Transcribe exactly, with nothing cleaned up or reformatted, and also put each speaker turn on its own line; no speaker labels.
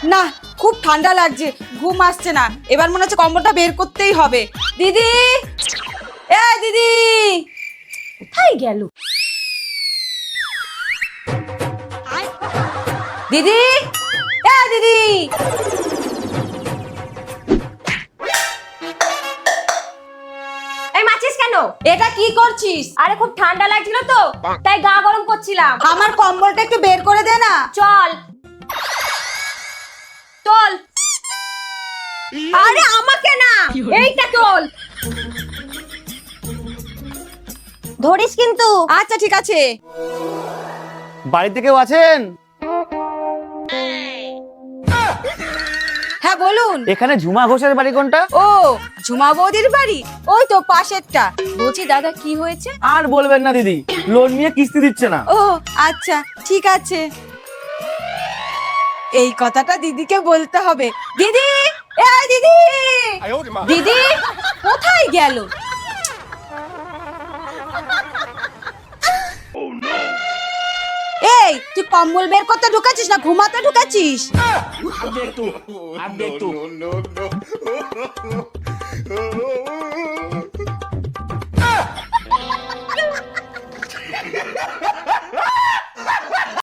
না খুব ঠান্ডা লাগছে, ঘুম আসছে না, এবার মনে হচ্ছে কম্বলটা বের করতেই হবে। দিদি, এ দিদি, কোথায় গেল দিদি? এ দিদি,
এই মাছিস কেন?
এটা কি করছিস?
আরে খুব ঠান্ডা লাগছিল তো, তাই গা গরম করছিলাম।
আমার কম্বলটা একটু বের করে দে না।
চল চল। আরে আমাকে না, এইটা চল। ধরিস কিন্তু।
আচ্ছা ঠিক আছে।
বাড়িতে কেউ আছেন?
হ্যাঁ বলুন।
এখানে ঝুমা ঘোষের বাড়ি কোনটা?
ও, ঝুমা বৌদির বাড়ি ওই তো পাশেরটা। বলছি দাদা কি হয়েছে?
আর বলবেন না দিদি, লোন নিয়ে কিস্তি দিচ্ছে না।
ও আচ্ছা ঠিক আছে, এই কথাটা দিদিকে বলতে হবে। দিদি, এই দিদি, দিদি কোথায় গেল? এই তুই কম্বল বের করতে ঢুকাচ্ছিস না ঘুমাতে ঢুকাচ্ছিস?
अब देख तू, अब देख तू।